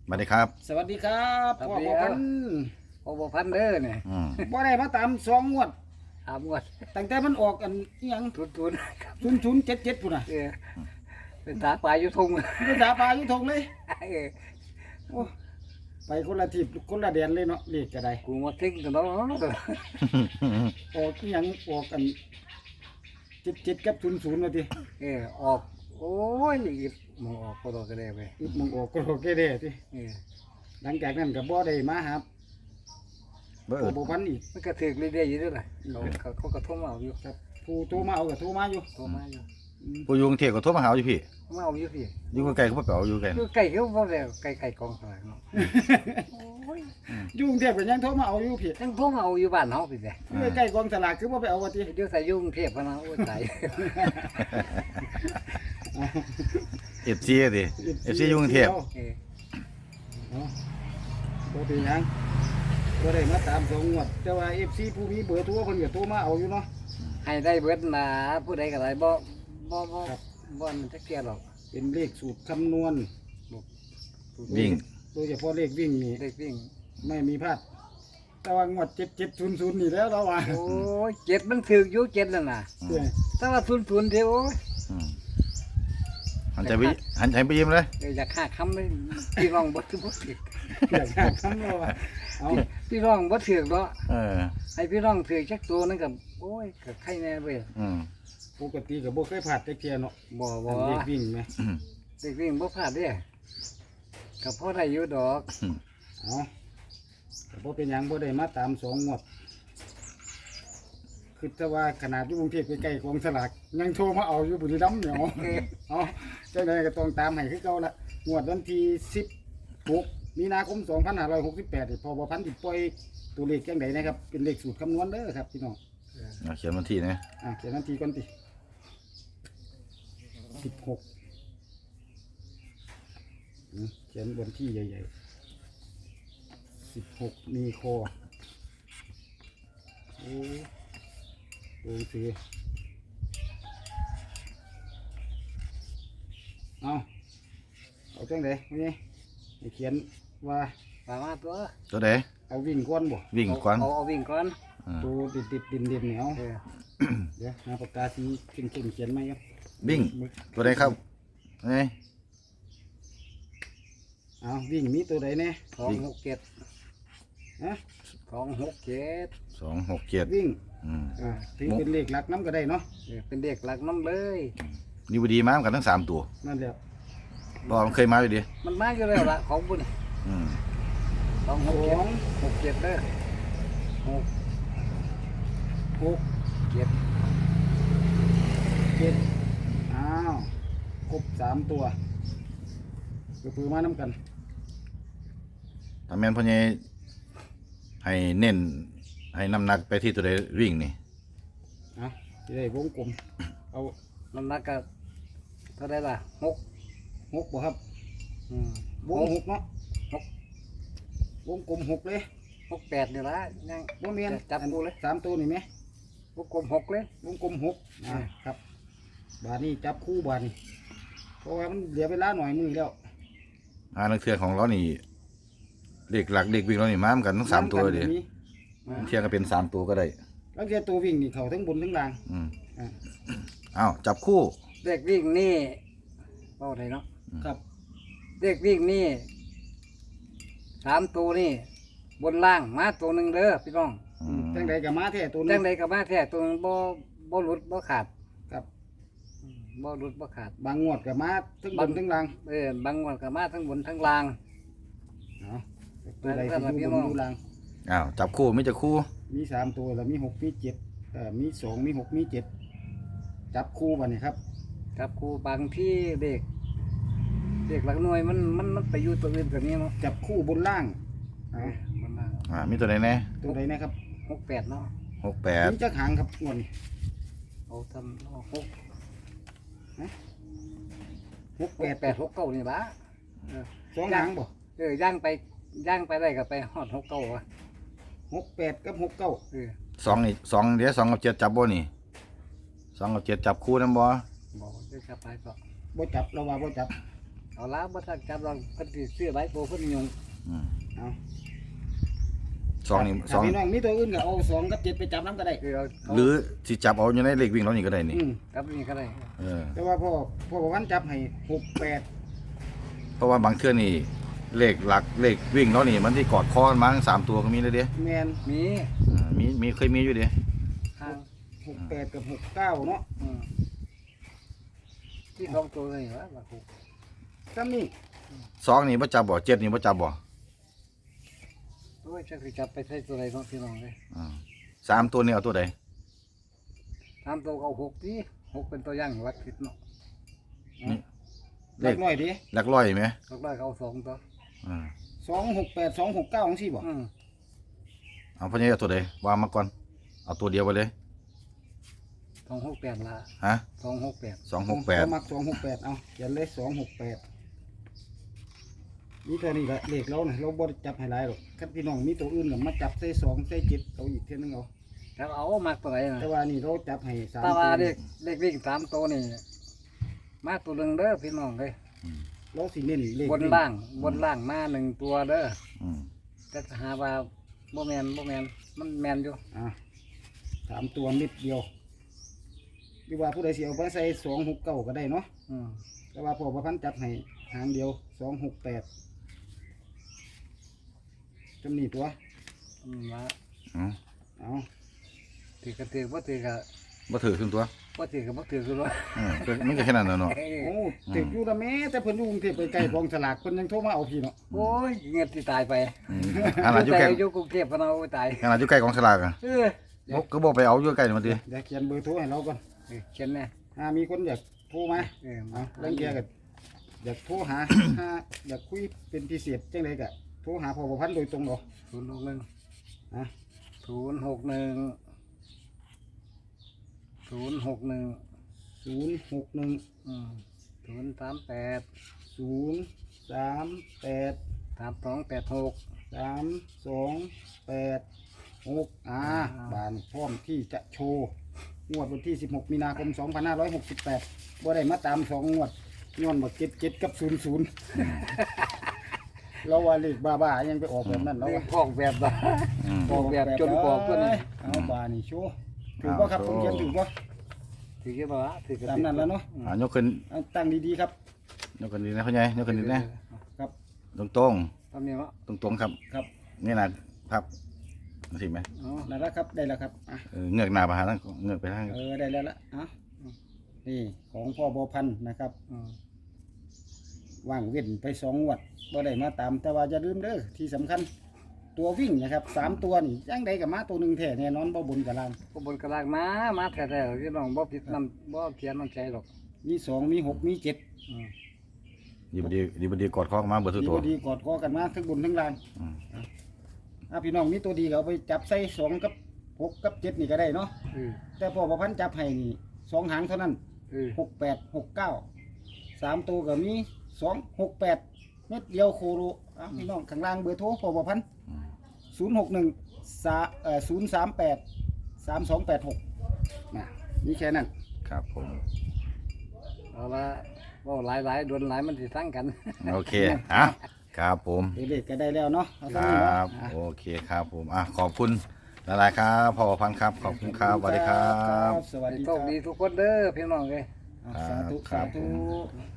สวัสดีครับสวัสดีครับพ่อบ่พันพอบ่พันเด้อเนี่ยบ่ได้มาตาม2 งวดถามว่าตั้งแต่มันออกอันอิหยังทุนครับ 0077พุ่นน่ะเป็นตาปลาอยู่ทุ่งภาษาปลาอยู่ทงเลยเออโอ้ไปคนละทิศคนละแดนเลยเนาะเลขก็ได้กูมาทิ้งตัวเนาะออกอิหยังออกกัน77กับ00ว่าติออกโอ้ยมองออกก็ดอกก็ได้ไปอีกมึงออกก็โอเคเด้ติเออหลังจากนั้นก็บ่ได้มาหาเบอพ่อร์บ่พันอีกมันก็ถึกเรื่อยๆอยู่ด้วยล่ะเขาก็โทรมาเอาอยู่ครับผู้โทรมาเอาก็โทรมาอยู่โทรมาอยู่ผู้ยุงเทียก็โทรมาหาอยู่พี่มาเอาอยู่พี่อยู่ไกลๆเขาบ่เปล่าอยู่ไกลคือไก่เขาบ่แล้วไก่กองสลากเนาะอยู่กรุงเทพก็ยังโทรมาเอาอยู่พี่ทั้งโทรมาเอาอยู่บ้านเฮาพี่แหละใกล้ๆกองสลากคือบ่ไปเอาว่าติเดี๋ยวใส่ยุ่งเทพพะนะโอ้ยตาย FC ดิ FC อยู่กรุงเทพเออบ่เป็นหยังบ่ได้มาตาม2 งวดแต่ว่า FC ผู้มีเบอร์โทรเพิ่นก็โทรมาเอาอยู่เนาะให้ได้เบิดนะผู้ใดก็ได้บ่ครับบ่มันจักเที่ยหรอกเป็นเลขสูตรคำนวณวิ่งโดยเฉพาะเลขวิ่งนี่เด็กวิ่งไม่มีพลาดแต่ว่างวด7700นี่แล้วเราว่าโอ้ยเจ็ดมันถืออยู่เจ็ดแล้วน่ะเด้อถ้าว่าทุนเดียวโอ้ยอืมหันใจไปยิ้มเลยอยากฆ่าคำเลยพี่น้องบ่ถือบ่ถืออยากหาคำเราว่าเอาพี่น้องบ่ถือเนาะเออให้พี่น้องถือจักตัวนึงก็โอ้ยก็ใครแน่เว้ยอืมปกติก็บ่เคยพลาดจักเที่ยเนาะบ่อันเลขวิ่งแหมอืมเด็กวิ่งบ่พลาดเด้ก็พอได้อยู่ดอกเอาแต่บ่เป็นหยังบ่ได้มาตาม2 งวดคือแต่ว่าขนาดอยู่กรุงเทพใกล้ๆกองสลากยังโทรมาเอาอยู่บุรีรัมย์เนี่ยเอาจังไดก็ต้องตามให้คือเก่าละงวดวันที่16มีนาคม2568นี่พอบ่พันสิปล่อยตัวเลขจังไดนะครับเป็นเลขสูตรคำนวณเด้อครับพี่น้องเอาเขียนวันที่นะเขียนนาทีก่อนติ16เขียนบนที่ใหญ่ๆ16มีคอโอ้โอเคเอาจังไดนี่ให้เขียนว่าว่ามาตัวตัวใดเอาวิ่งก้อนบ่วิ่งก่อนเอาวิ่งก่อนตัวติดดินเหนียวเออเดี๋ยวหาปากกาสีเข้มๆเขียนไหมครับวิ่งตัวใดครับไงเอาวิ่งมีตัวใดแน่ 267 ฮะ 267 267 วิ่งอืมถือเป็นเลขหลักน้ำก็ได้เนาะเป็นเด็กหลักน้ำเลยนี่บ่ดีมากันทั้ง3ตัวนั่นแหละบ่มันเคยมาอยู่ดิมันมาอยู่แล้วล่ะของบุญอืม 267เด้อหก 6 7 7อ้าวครบ3ตัวก็คือมาน้ำกันถ้าแม่นพ่อใหญ่ให้เน้นให้น้ำหนักไปที่ตัวใดวิ่งนี่จะได้วงกลมเอาน้ำหนักก็เท่าไรล่ะ6 6บ่ครับอืมวง6เนาะวงกลม6เลย 68นี่ละยังบ่แม่นจับกูเลย 3ตัวนี่ไหมวงกลม6เลยวงกลม6ครับบาดนี้จับคู่บาดนี้เพราะว่ามันเหลือเวลาหน่อยมือแล้วนักเทือของเรานี่เด็กหลักเด็กวิ่งเรานี่มาเหมือนกันทั้ง3ตัวเลยดิน้ำกันก็มีเที่ยงก็เป็น3ตัวก็ได้แล้วแกตัววิ่งนี่เขาทั้งบนทั้งล่างอืมอ่าอ้าวจับคู่เด็กวิ่งนี่เอาไหนเนาะครับเด็กวิ่งนี่3ตัวนี่บนล่างมาตัวหนึ่งเด้อพี่น้องจังใดกับมาแท้ตัวนึจังงใดก็มาแท้ตัวหนึงบ่หลุดบ่ขาดครับบ่หลุดบ่ขาดบางงวดกับมาทั้งบนทั้งล่างบางวันก็มาทั้งบนทั้งล่างเนาะตัวใดที่อยู่บนอยู่ล่างอ้าวจับคู่ไม่จะคู่มี3ตัวแล้วมี6มี7มี2มี6มี7จับคู่บัดนี้ครับครับครูบางที่เด็กหลักหน่วยมันไปอยู่ตัวอื่นกว่านี้เนาะจับคู่บนล่างเอามันล่างมีตัวไหนแน่ตัวใดนะครับ 68เนาะมีจักหางครับงวดนี้เอาทำเอา 68 68 69นี่ล่ะ 2หางบ่ย่างไปได้ก็ไปฮอด69ว่ะ 68กับ69 2นี่2เดี๋ยว2กับ7จับบ่นี่2กับ7จับคู่นำบ่บอกจะไปก็บ่จับเราว่าบ่จับเอาละบ่ทันจับลองเพิ่นสิซื้อไว้โตเพิ่นยุงอืมเอาสองนี่สถ้าองพี่น้องมีตัวอื่นก็เอา2กับ7ไปจับน้ำก็ได้คือเอาหรือสิจับเอาอยู่ในเลขวิ่งเรานี่ก็ได้นี่จับนี่ก็ได้เออแต่ว่าพ่อบอกว่าจับให้68 เพราะว่าบางเทื่อนี่เลขหลักเลขวิ่งเรานี่มันที่กอดคอกันมาทั้ง3ตัวก็มีเลยเด้แม่นมีมีเคยมีอยู่เด้ข้าง 68กับ69เนาะที่สองตัวนี่วะว่าถูกซ้ำนี่สองนี่บ่จับบ่7นี่บ่จับบ่โอ้ยจักสิจับไปใส่ตัวใดเนาะพี่น้องเอ้ยสามตัวนี่เอาตัวใดตามตัวก็เอา6ติ6เป็นตัวอย่างวัดผิดเนาะเล็กน้อยดิหลักร้อยไหมก็ได้เขา2ตัวอ่า 268 269จังซี่บ่เอาพ่อใหญ่เอาตัวใดวางมาก่อนเอาตัวเดียวไปเลย 268ละฮะ 268 268 มัก268เอาเขียนเลย268นี่ตัวนี้ละเลขเราเนี่ยเราบ่ได้จับให้หลายหรอกคันพี่น้องมีตัวอื่นก็มาจับใส่2ใส่7เอาอีกเท่านึงเอาแล้วเอามาตัวไหนน่ะแต่ว่านี่เราจับให้3 ตาตัวว่าเลขวิ่ง3ตัวนี่มาตัวหนึงเด้อพี่น้องเอ้ยเราสิเน้นเลขบนล่างมา1ตัวเด้ออืมแต่ถ้าหาว่าบ่แม่นมันแม่นอยู่ 3ตัวนิดเดียวหรือว่าผู้ใดสิเอาไปใส่269ก็ได้เนาะอืมแต่ว่าพ่อประพันธ์จับให้หางเดียว268จำนี่ตัวว่าอืมเอาถือก็ถือบ่ถือก็บ่ถือขึ้นตัวบ่ถือก็บ่ถือคือว่าก็มันก็แค่นั้นน่ะเนาะโอ้ติดอยู่ละแม่แต่เพิ่นอยู่กรุงเทพไปไกลกองสลากเพิ่นยังโทรมาเอาพี่เนาะโอ้ยเงียบสิตายไปขนาดอยู่ใกล้อยู่กรุงเทพฯพะเนาโอ้ยตายขนาดอยู่ใกล้กองสลากอ่ะเออก็บอกไปเอาอยู่ใกล้มันดิเดี๋ยวเขียนเบอร์โทรให้เราก่อนเขียนแน่มีคนอยากโทรมาเออเอาเรื่องเกียร์กันอยากโทรหา อยากคุยเป็นพิเศษจังไดก็โทรหาพ่อประพันธ์โดยตรงเนาะ 061 อ่ะ 061 061 038 038 3286 3286บานพร้อมที่จะโชว์งวดวันที่16มีนาคม2568บ่ได้มาตาม2งวดย้อนบ่77กับ00เราว่าเลขบ้าๆยังไปออกแบบนั้นเราเรียว่ากพอกแบบว่า ออกแบบจนกว่าเพิ่นเอาบานี่โชว์ถูกบ่ครับผมเขียนถูกบ่ถือว่าถือก็ตามนั้นแล้วเนาะยกขึ้นเอาตั้งดีๆครับยกขึ้นดีนะพ่อใหญ่ยกขึ้นดีนะครับ ตรงตามนี้เนาะตรงๆครับครับนี่นะพับสิไหมอ๋อได้แล้วครับได้แล้วครับอ่ะเงือกหน้าไปหาทางเงือกไปทางได้แล้วละอ่ะนี่ของพ่อบัวพันธ์นะครับอืมว่างเว้นไป2งวดบ่ได้มาตามแต่ว่าอย่าลืมเด้อที่สำคัญตัววิ่งนะครับ3ตัวนี่ยังใดกับมาตัวหนึงแท้แน่นอนบ่บนกับล่างก็บนกระลางมาแท้ๆพี่น้องบ่ผิดนำบ่เขียนน้ำใจหรอกมี2มี6มี7 อืมดีบดีกอดคอมาเบอร์ทุกดีตัวบ่ดีกอดคอกันมาทั้งบนทั้งล่างอืมพี่น้องมีตัวดีก็เอาไปจับใส่2กับ6กับ7นี่ก็ได้เนาะเออแต่พ่อประพันธ์จับให้นี่2หางเท่านั้นเออ 68 69 3ตัวก็มี268เม็ดเดียวโคโลพี่น้องข้างล่างเบอร์โทรพ่อประพันธ์038 3286นี่แค่นั้นครับผมเอาละบ่หลายๆโดนหลายมันสิทั้งกันโอเคอ่ะครับผมเด็กๆก็ได้แล้วเนาะเอาคซะรนี่เนาะับโอเคครับผมขอบคุณหลายๆครับพ่อพันธุ์ครับขอบคุณครับสวัสดีครับสวัสดีโชครัคบดีทุกคนเด้อพี่น้องเอ้ยสาธุครัสาบธุ